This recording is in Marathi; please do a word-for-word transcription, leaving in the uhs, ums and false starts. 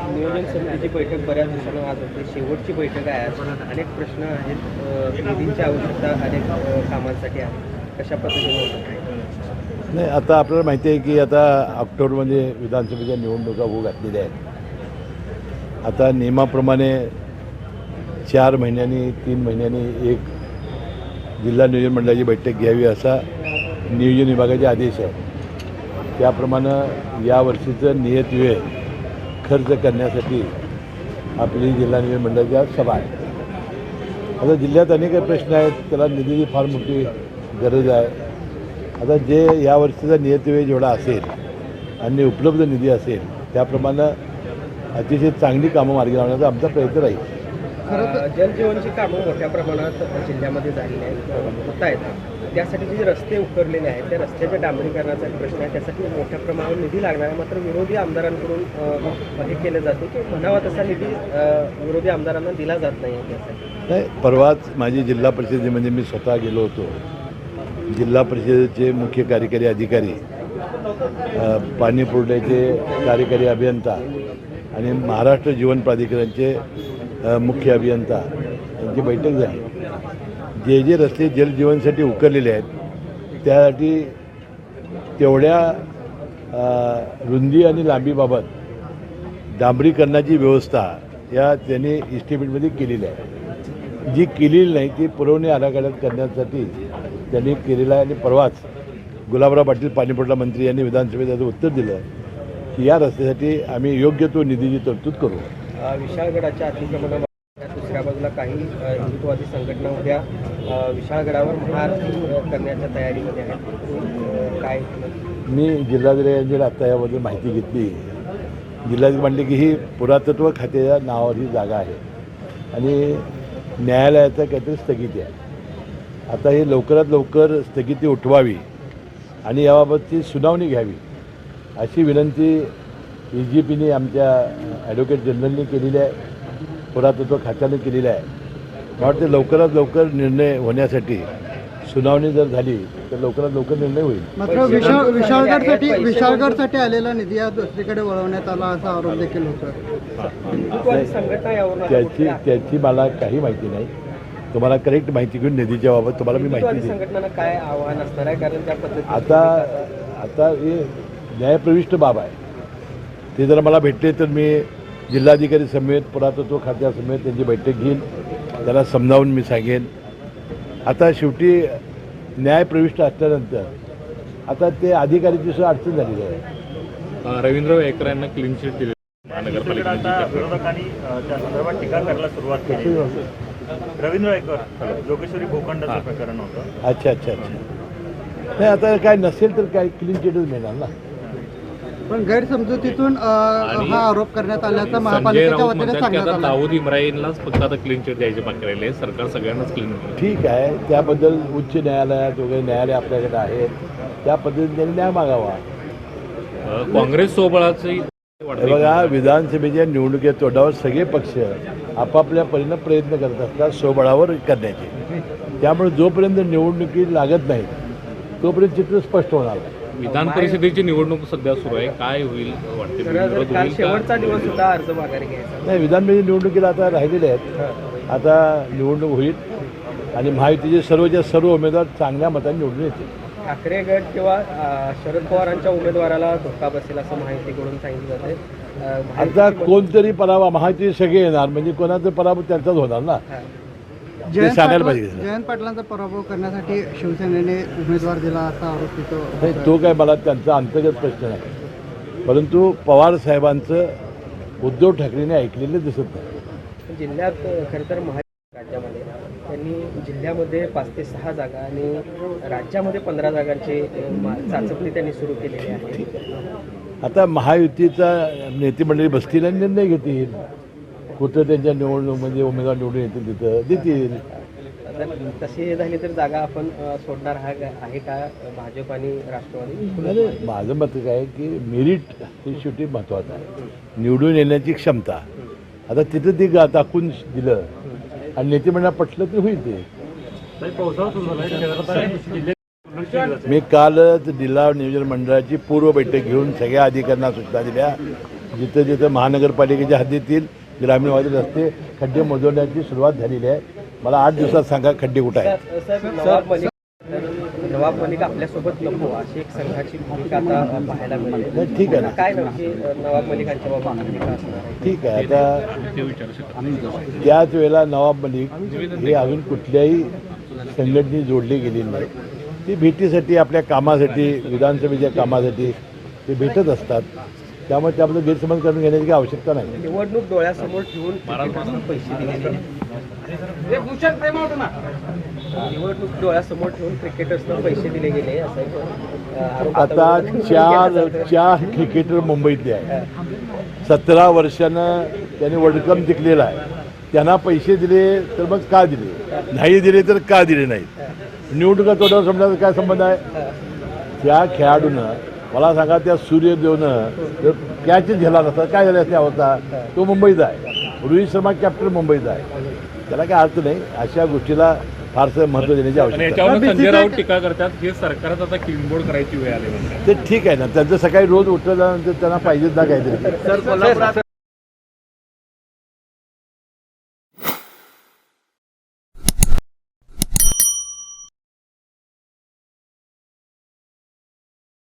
नियोजन समितीची बैठक बऱ्याच दिवसांनी आज होते. शेवटची बैठक आहे आज. अनेक प्रश्न आहेत. अ, निधीची आवश्यकता अनेक अ, कामांसाठी आहे. कशा पद्धतीने होतं काय? नाही, आता आपल्याला माहिती आहे की आता ऑक्टोबरमध्ये विधानसभेच्या निवडणुका होऊ घातलेल्या आहेत. आता नियमाप्रमाणे चार महिन्यांनी तीन महिन्यांनी एक जिल्हा नियोजन मंडळाची बैठक घ्यावी असा नियोजन विभागाचे आदेश आहे. त्याप्रमाणे यावर्षीचं नियत वेळ खर्च करण्यासाठी आपली जिल्हा नियोजन मंडळाची आज सभा आहे. आता जिल्ह्यात अनेक प्रश्न आहेत, त्याला निधीची फार मोठी गरज आहे. आता जे यावर्षीचा नियत वेळ जेवढा असेल आणि उपलब्ध निधी असेल त्याप्रमाणे अतिशय चांगली कामं मार्गी लावण्याचा आमचा प्रयत्न राहील. अ, जलजीवनची कामं मोठ्या प्रमाणात जिल्ह्यामध्ये झालेली आहेत, होत आहेत. त्यासाठी जे रस्ते उकरलेले आहेत त्या रस्त्याच्या डांबरीकरणाचा एक प्रश्न आहे. त्यासाठी मोठ्या प्रमाणावर निधी लागणार आहे. मात्र विरोधी आमदारांकडून अ, हे केलं जाते की म्हणावा तसा निधी अ, विरोधी आमदारांना दिला जात नाही आहे. त्यासाठी नाही, परवाच माझी जिल्हा परिषदेमध्ये मी स्वतः गेलो होतो. जिल्हा परिषदेचे मुख्य कार्यकारी अधिकारी, अ, पाणी पुरवठ्याचे कार्यकारी अभियंता आणि महाराष्ट्र जीवन प्राधिकरणचे अ, मुख्य अभियंता यांची बैठक झाली. जे जे रस्ते जलजीवनसाठी उकरलेले आहेत त्यासाठी तेवढ्या अ, रुंदी आणि लांबीबाबत डांबरीकरणाची व्यवस्था या त्यांनी इस्टिमेटमध्ये केलेली आहे. जी केलेली नाही ती पुरवणी आराखड्यात करण्यासाठी त्यांनी केलेला आहे. आणि परवाच गुलाबराव पाटील पाणीपुरवठा मंत्री यांनी विधानसभेत त्याचं उत्तर दिलं की या रस्त्यासाठी आम्ही योग्य तो निधीची तरतूद करू. अ, विशाळगडाच्या अतिक्रमणा दुसऱ्या बाजूला काही अ, हिंदुत्ववादी संघटना उद्या अ, विशाळगडावर महाआरती अ, करण्याच्या तयारीमध्ये आहेत. अ, काय मी जिल्हाधिकाऱ्यांची आत्ता याबद्दल माहिती घेतली. जिल्हाधिकारी म्हणले की ही पुरातत्व खात्याच्या नावावर ही जागा आहे आणि न्यायालयाचं काहीतरी स्थगिती आहे. आता हे लवकरात लवकर स्थगिती उठवावी आणि याबाबतची सुनावणी घ्यावी अशी विनंती ए जी पीने आमच्या ॲडव्होकेट जनरलने केलेली आहे, पुरातत्व खात्याने केलेली आहे. मला वाटते लवकरात लवकर निर्णय होण्यासाठी सुनावणी जर झाली तर लवकरात लवकर निर्णय होईल. मात्र विशाळ विशाळगडसाठी विशाळगडसाठी आलेला निधी हा दुसरीकडे वळवण्यात आला असा आरोप देखील होतो. हिंदुत्ववादी संघटना यावर त्याची त्याची मला काही माहिती नाही. तुम्हाला करेक्ट माहिती घेऊन निधीच्या बाबत तुम्हाला मी माहिती देईन. संघटनांना काय आव्हान असणार आहे? कारण त्या पद्धतीने आता आता हे न्यायप्रविष्ट बाब आहे. ते जर मला भेटले तर मी जिल्हाधिकारी समेत पुरातत्व खात्यासमेत त्यांची बैठक घेईन, त्याला समजावून मी सांगेन. आता शेवटी न्यायप्रविष्ट असल्यानंतर आता ते अधिकारीची सुद्धा अडचण झालेली आहे. रवींद्र वायकर यांना क्लीन चिट दिली महानगरपालिकेने. विरोधकांनी त्या संदर्भात टीका करायला सुरुवात केली. रवींद्र वायकर जोगेश्वरी भूखंडाचं प्रकरण होतं. अच्छा अच्छा अच्छा नाही, आता काय नसेल तर काय क्लीन चिटच मिळणार ना. पण गैरसमजुतीतून अ, हा आरोप करण्यात आल्याचं संजय महापालिकेच्या राऊत वतीने म्हणतात की सांगण्यात आता आलं. दाऊद इम्राईनलाच फक्त आता क्लीन चिट द्यायचे बाकी राहिले. सरकार सगळ्यांनाच क्लीन चिट. ठीक आहे, त्याबद्दल उच्च न्यायालयात वगैरे न्यायालय आपल्याकडे आहेत, त्या पद्धतीने त्यांनी न्याय मागावा. काँग्रेस सोबळाची हे बघा, विधानसभेच्या निवडणुकीच्या तोंडावर सगळे पक्ष आपापल्या परीनं प्रयत्न करत असतात स्वबळावर करण्याचे. त्यामुळे जोपर्यंत निवडणुकी लागत नाही तोपर्यंत चित्र स्पष्ट होणार नाही. विधान परिषदेची निवडणूक सध्या सुरू आहे. काय होईल वाटते? विरोध काल होईल का? शेवटचा दिवस सुद्धा अर्ज माघारी घ्यायचा. नाही, विधानसभेच्या निवडणुकीला आता राहिलेले आहेत. आता निवडणूक होईल आणि महायुतीचे सर्वच्या सर्व उमेदवार चांगल्या मताने निवडून येतील. ठाकरे गट किंवा अ, शरद पवारांच्या उमेदवाराला धोका बसेल असं माहितीकडून सांगितलं जाते. अ, आता महायुती- कोणतरी पराभव, महायुती सगळे येणार म्हणजे कोणाचा पराभव त्यांचाच होणार ना. हा. जयंत सांगायला पाटील पाहिजे. जयंत पाटलांचा पराभव करण्यासाठी शिवसेनेने उमेदवार दिला असा आरोप तिथं नाही, तो काय मला त्यांचा अंतर्गत प्रश्न नाही. परंतु पवार साहेबांचं उद्धव ठाकरेंनी ऐकलेलं दिसत नाही. जिल्ह्यात खरं तर महाराष्ट्र राज्यामध्ये त्यांनी जिल्ह्यामध्ये पाच ते सहा जागा आणि राज्यामध्ये पंधरा जागांची अ, मा- चाचपणी त्यांनी सुरू केलेली आहे. आता महायुतीचा नेते मंडळी बसतील आणि निर्णय घेतील. कुठं त्यांच्या निवडणुकीमध्ये उमेदवार निवडून येतील तिथं देतील. तर तशी झाली तर जागा आपण अ, सोडणार हा आहे का भाजप आणि राष्ट्रवादी? म्हणजे माझं मत काय आहे की मेरिट हे शेवटी महत्त्वाचं आहे, निवडून येण्याची क्षमता. आता तिथं ते गा दाखवून दिलं आणि नेते मंडळ पटलं तर होईल ते. मी कालच जिल्हा नियोजन मंडळाची पूर्व बैठक घेऊन सगळ्या अधिकाऱ्यांना सूचना दिल्या. जिथं जिथं महानगरपालिकेच्या हद्दीतील ग्रामीण भागातील रस्ते खड्डे मोजवण्याची सुरुवात झालेली आहे. मला आठ दिवसात सांगा खड्डे कुठं आहेत. साहेब, नवाब मलिक नवाब मलिक आपल्यासोबत नको अशी एक संघाची भूमिका आता पाहायला मिळते. नाही, ठीक आहे ना. काय नक्की नवाब मलिकांच्या बाबा भूमिका असणार आहे? ठीक आहे. आता ते विचारू शकतो. त्याच वेळेला नवाब मलिक हे अजून कुठल्याही संघटनेत जोडले गेलेले नाही. ती भेटीसाठी आपल्या कामासाठी विधानसभेच्या कामासाठी ते भेटत असतात. त्यामुळे त्याबद्दल गैरसमज करून घेण्याची काही आवश्यकता नाही. निवडणूक डोळ्यासमोर ठेवून क्रिकेटर्सना पैसे दिलेले निवडणूक डोळ्यासमोर ठेवून क्रिकेटर्सना पैसे दिले गेले असा एक, अ, आरोप आता विरोधी चार केला जातोय. चार क्रिकेटर मुंबईतले आहेत. सतरा वर्षानं त्यांनी वर्ल्ड कप जिंकलेला आहे. त्यांना पैसे दिले तर मग का दिले, नाही दिले तर का दिले नाहीत. निवडणुका तोड्यावर समजायचा काय संबंध आहे. त्या खेळाडूनं मला सांगा त्या सूर्यदेवनं जर कॅच झेला नसता काय झालं असते अवस्था. तो मुंबईचा आहे. रोहित शर्मा कॅप्टन मुंबईचा आहे. त्याला काय अर्थ नाही. अशा गोष्टीला फारसं महत्त्व देण्याची आणि आवश्यकता याच्यावर संजय राऊत टीका करतात हे सरकारच आता क्लीनबोर्ड करायची वेळ आली म्हणतात. ते ठीक आहे ना. त्यांचं सकाळी रोज उठल्यानंतर त्यांना पाहिजेच ना काहीतरी. सर, कोल्हापुरात